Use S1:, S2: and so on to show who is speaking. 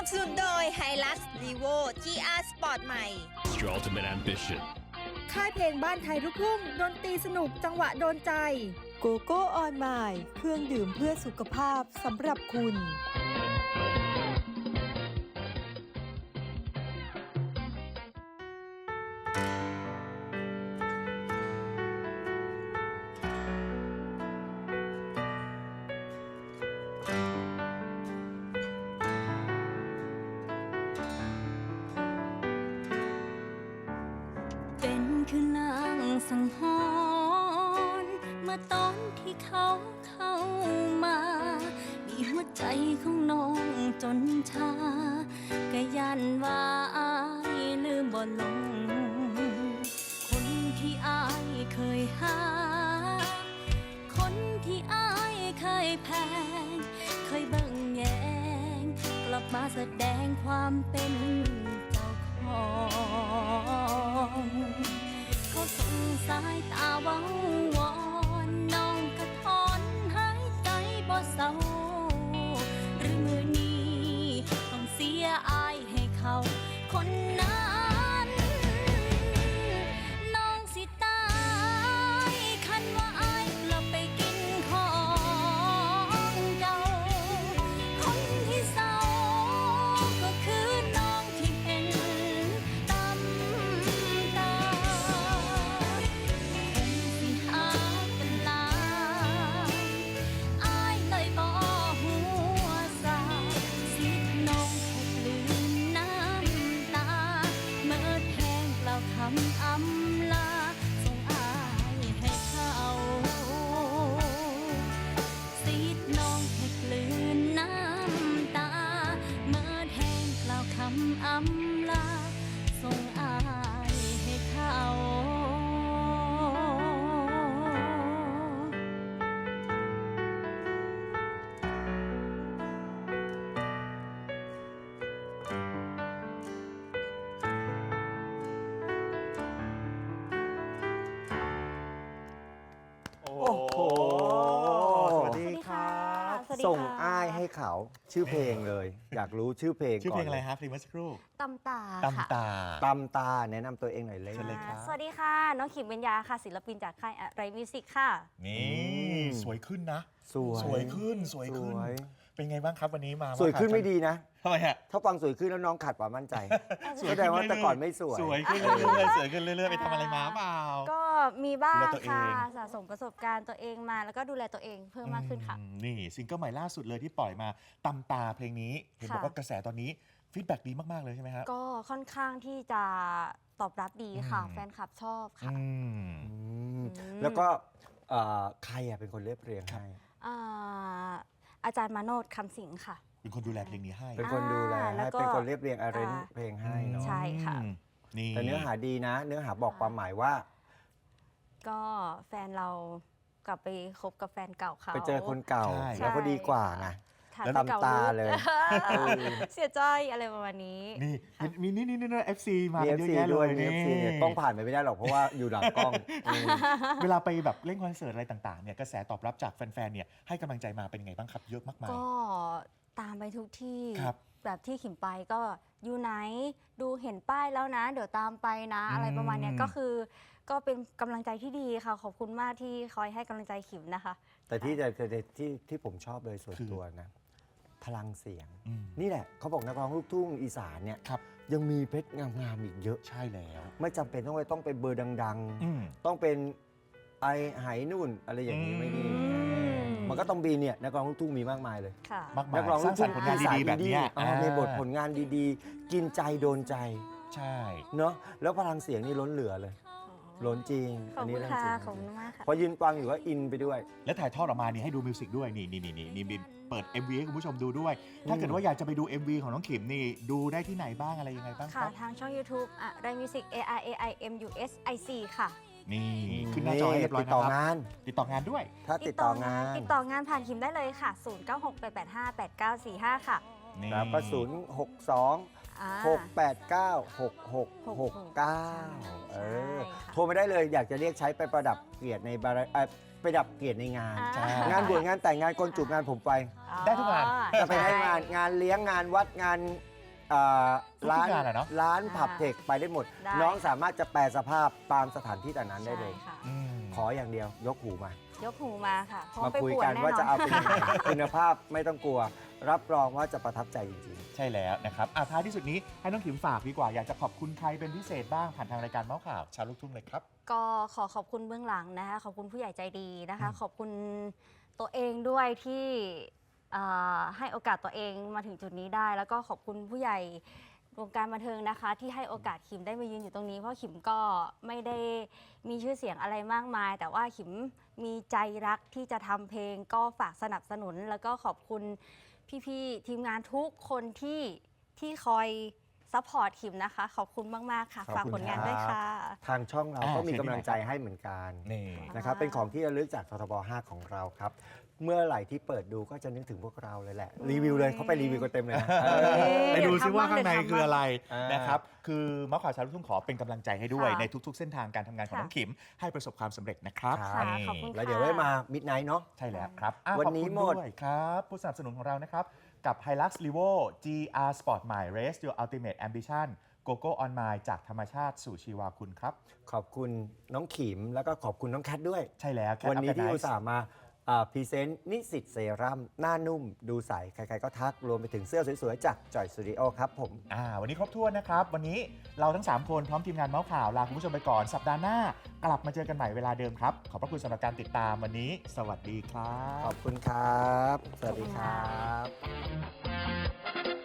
S1: สนุนโดย Hilux Levo GR Sport ใหม่
S2: It's your ultimate ambition.
S3: ค่ายเพลงบ้านไทยลูกทุ่งดนตรีสนุกจังหวะโดนใจโกโก้ออนไมล์เครื่องดื่มเพื่อสุขภาพสำหรับคุณ
S4: เป็นคือนางสังหรณ์เมื่อตอนที่เขาเข้ามามีหัวใจของน้องจนชาก็ยันว่าอายลืมบ่ลงคนที่อายเคยหาคนที่อายเคยแพงเคยเบิ่งแยงกลับมาแสดงความเป็นเจ้าของเขาส่งสายตาเว้าวอนน้องกระถอนหายใจบ่เศร้าหรือมือนี้ต้องเสียอายให้เขาคนนั้นน้องสิตายคันว่าอายกลับไปกินของเก่าคนที่เศร้าก็คือน้องที่เห็นตำตาอำลาส่งอายให้เขาซีดน้องให้กลืนน้ำตาเมื่อแห้งกล่าวคำอำลาส่งอายให้เขา
S5: โอ้โห สวัสดีครับ ส่งอ้ายให้เขาชื่อเพลงเลย อยากรู้ชื่อเพลงก่อน
S6: ชื่อเพลงอะไรครับเพลงเมื่อสักครู่
S4: ตำตา
S6: ตำตา
S5: ตำตาแนะนำตัวเองหน่อยเลย
S6: เชิญเลยครับ
S4: สวัสดีค่ะ น้องขิมเบญญาค่ะ ศิลปินจากค่ายอะไรมิวสิกค่ะ
S6: นี่สวยขึ้นนะ
S5: สวย
S6: สวยขึ้น เป็นไงบ้างครับวันนี้มา
S5: สวยขึ้นไม่ดีนะ
S6: ทำไมฮะ
S5: ถ้าฟังสวยขึ้นแล้วน้องขาดความมั่นใจ
S6: สวย
S5: แสดงว่าแต่ก่อนไม่สวย
S6: สวยขึ้นเรื่อยๆสวยขึ้นเรื่อยๆไปทำอะไรมาเปล่า
S4: ก็มีบ้าง
S6: ดูแลตัวเอง
S4: ค่ะสะสมประสบการณ์ตัวเองมาแล้วก็ดูแลตัวเองเพิ่มมากขึ้นค่ะ
S6: นี่ซิงเกิลใหม่ล่าสุดเลยที่ปล่อยมาตำตาเพลงนี้เห็นบอกว่ากระแสตอนนี้ฟีดแบ็กดีมากๆเลยใช่ไหมครับ
S4: ก็ค่อนข้างที่จะตอบรับดีค่ะ
S6: อืม
S4: แฟนคลับชอบค่ะ
S5: แล้วก็ใครอะเป็นคนเรียบเรียงให้
S4: อ่าอาจารย์มาโนดคำสิงห์ค่ะ
S6: เป็นคนดูแลเพลงนี้ให้
S5: เป็นคนดูแล
S4: แล้ว
S5: ให้
S4: ก็
S5: เป็นคนเรียบเรียงอาร์เรนเพลงให้เนาะ
S4: ใช่ค่ะ
S6: นี่
S5: แต่เนื้อหาดีนะ เนื้อหาบอกความหมายว่า
S4: ก็แฟนเรากลับไปคบกับแฟนเก่าเขา
S5: ไปเจอคนเก่า
S6: ใช่
S5: แล้วก็ดีกว่าไง
S4: ค่ะ
S5: แล้วตำตาเลย
S4: เสียใจอะไรประมาณนี้
S6: นี่มีนี่FC มา
S5: มี
S6: กัน
S5: เอฟ
S6: เยอะ
S5: ซี
S6: แยะเล
S5: ด้วย
S6: ย
S5: มี
S6: นี่
S5: เอฟซีเนี่ยต้องผ่านไปไม่ได้หรอกเพราะว่าอยู่หลังกล้องอืม
S6: เวลาไปแบบเล่นคอนเสิร์ตอะไรต่างๆเนี่ยกระแสตอบรับจากแฟนๆเนี่ยให้กำลังใจมาเป็นยังไงบ้างครับเยอะมากมาย
S4: ก็ตามไปทุกที่
S6: ครับ
S4: แบบที่ขิมไปก็อยู่ไหนดูเห็นป้ายแล้วนะ เดี๋ยวตามไปนะ อะไรประมาณเนี้ยก็คือก็เป็นกำลังใจที่ดีค่ะ ขอบคุณมากที่คอยให้กำลังใจขิมนะคะ
S5: แต่ที่ผมชอบเลยส่วนตัวนะ พลังเสียง
S6: อืม
S5: นี่แหละเขาบอกนักร้องลูกทุ่งอีสานเนี่ย
S6: ครับ
S5: ยังมีเพชรงามๆอีกเยอะ
S6: ใช่แล้ว
S5: ไม่จำเป็นต้องเป็นเบอร์ดัง
S6: อืม
S5: ๆ ต้องเป็นไอไหนู่นอะไรอย่างนี้ไม่ดี
S4: ม
S5: มันก็ต้องมีเนี่ยนักร้องลูกทุ่งมีมากมายเลย
S4: ค่ะ
S6: มากมาย
S5: นักร้อง
S6: ส
S5: ลู
S6: ร้าก งสร
S5: ทุ่
S6: รง ค์ผลงานดีๆแบบเนี้ย
S5: มีบทผลงานดีๆ กินใจโดนใจ
S6: ใช่
S5: เนาะแล้วพลังเสียงนี่ล้นเหลือเลย ล้นจริง
S4: ขอบ
S5: นี้
S4: คุณ
S5: เรื่อง
S4: ค่ะ
S5: จริง
S4: ขอบคุณมากค่ะ
S5: พอยืนฟังอยู่ก็อินไปด้วย
S6: และถ่ายทอดออกมานี่ให้ดูมิวสิกด้วยนี่เปิด MV ให้คุณผู้ชมดูด้วย ถ้าเกิดว่าอยากจะไปดู MV ของน้องขิมนี่ดูได้ที่ไหนบ้างอะไรยังไงบ้างค
S4: ค่ะ
S6: รับ
S4: ทางช่อง YouTube อะไรมิวสิก ARAIMUSIC ค่ะ
S6: นี่ขึ้นหน้าจอให้เรียบร้อย
S5: ติด
S6: นะ
S5: ต่อ
S6: ครับ
S5: งาน
S6: ติดต่องานด้วย
S5: ถ้าติดต่องาน
S4: ติดต่องานผ่านขิมได้เลยค่ะ 0968858945 ค่ะ
S6: นี่
S5: แล้วก็062
S4: อ่า
S5: 689 6669 เออ
S4: ใช่ค่ะ
S5: โทรมาได้เลยอยากจะเรียกใช้ไปประดับเกียรติในประดับเกียรติในงาน
S4: อ่า
S6: ใช่
S5: งานบวชงานแต่งงานกลจุกงานผมไป
S6: ได้ทุกงาน
S5: จะไปให้งานเลี้ยงงานวัดงานร้าน
S6: ทุกงานอะเนาะ
S5: ร้านผับเทคไปได้หมด
S4: ได้
S5: น้องสามารถจะแปลสภาพตามสถานที่แต่นั้นได้เลย
S4: ใช่ค่ะ
S6: อืม
S5: ขออย่างเดียวยกหูมา
S4: ยกหูมาค่ะพร้อม
S5: มา
S4: ไป
S5: คุย
S4: ป่ว
S5: กั
S4: น
S5: น
S4: แน่
S5: ว่าจะ
S4: นอ
S5: เอา
S4: น
S5: เป็นยังไง คุณภาพไม่ต้องกลัว รับรองว่าจะประทับใจจริง
S6: ใช่แล้วนะครับท้ายที่สุดนี้ให้น้องขิมฝากดีกว่า อยากจะขอบคุณใครเป็นพิเศษบ้างผ่านทางรายการเมาส์ข่าวชาวลูกทุ่งเลยครับ
S4: ก็ขอบคุณเบื้องหลังนะคะขอบคุณผู้ใหญ่ใจดีนะคะ
S6: อืม
S4: ขอบคุณตัวเองด้วยที่ให้โอกาสตัวเองมาถึงจุดนี้ได้ แล้วก็ขอบคุณผู้ใหญ่วงการบันเทิงนะคะ ที่ให้โอกาสขิมได้มายืนอยู่ตรงนี้เพราะขิมก็ไม่ได้มีชื่อเสียงอะไรมากมาย แต่ว่าขิมมีใจรักที่จะทำเพลงก็ฝากสนับสนุน แล้วก็ขอบคุณพี่ๆทีมงานทุกคนที่คอยซัพพอร์ตขิมนะคะ ขอบคุณมากๆค่ะ
S5: ขอบ
S4: ฝาก
S5: คุณ
S4: ผลงาน
S5: ครับ
S4: ด้วยค่ะ
S5: ๆ ทางช่องเราก็มีกำลังใจให้เหมือนกัน
S6: นี่
S5: นะครับเป็นของที่ระลึกจากททบ 5 ของเราครับ เมื่อไหร่ที่เปิดดูก็จะนึกถึงพวกเราเลยแหละ รีวิวเลยเขาไปรีวิวกันเต็มเลยนะ
S6: ไปดูซิว่าข้างในคืออะไร
S5: อ่าน
S6: นะครับ คือเมาส์ข่าวชาวลูกทุ่งขอเป็นกำลังใจให้ด้วย
S4: ค่ะ
S6: ในทุกๆ เส้นทางการทำงานของ
S4: ค่ะ
S6: น้องขิม ให้ประสบความสำเร็จนะครับ
S5: ครับ
S6: นี่
S4: ขอบคุณ
S5: แล้วเดี๋ยวไว้มามิดไนท์เนาะ
S6: ใช่แล้วครับอ่ะ
S5: วันนี้
S6: ขอบคุณ
S5: หมด
S6: ด้วยครับผู้สนับสนุนของเรานะครับ กับ Hilux Levo GR Sport ใหม่ Race Your Ultimate Ambition GoGo On My จากธรรมชาติสู่ชีวาคุณครับ
S5: ขอบคุณน้องขิมแล้วก็ขอบคุณน้องแคทด้วย
S6: ใช่แล้ว Cat
S5: วันนี้
S6: Up
S5: ที่
S6: and
S5: อุ
S6: Nice
S5: ตส่าห์มาพรีเซนต์นิสิตเซรั่มหน้านุ่มดูใส ใครๆก็ทัก รวมไปถึงเสื้อสวยๆ จากจอยสตูดิโอครับผม
S6: วันนี้ครบถ้วนนะครับ วันนี้เราทั้ง 3 คนพร้อมทีมงานเมาส์ข่าวลาคุณผู้ชมไปก่อน สัปดาห์หน้ากลับมาเจอกันใหม่เวลาเดิมครับ ขอบพระคุณสำหรับการติดตามวันนี้ สวัสดีครั
S5: ข
S6: บ
S5: อบคุณครับ สวัสดีครับ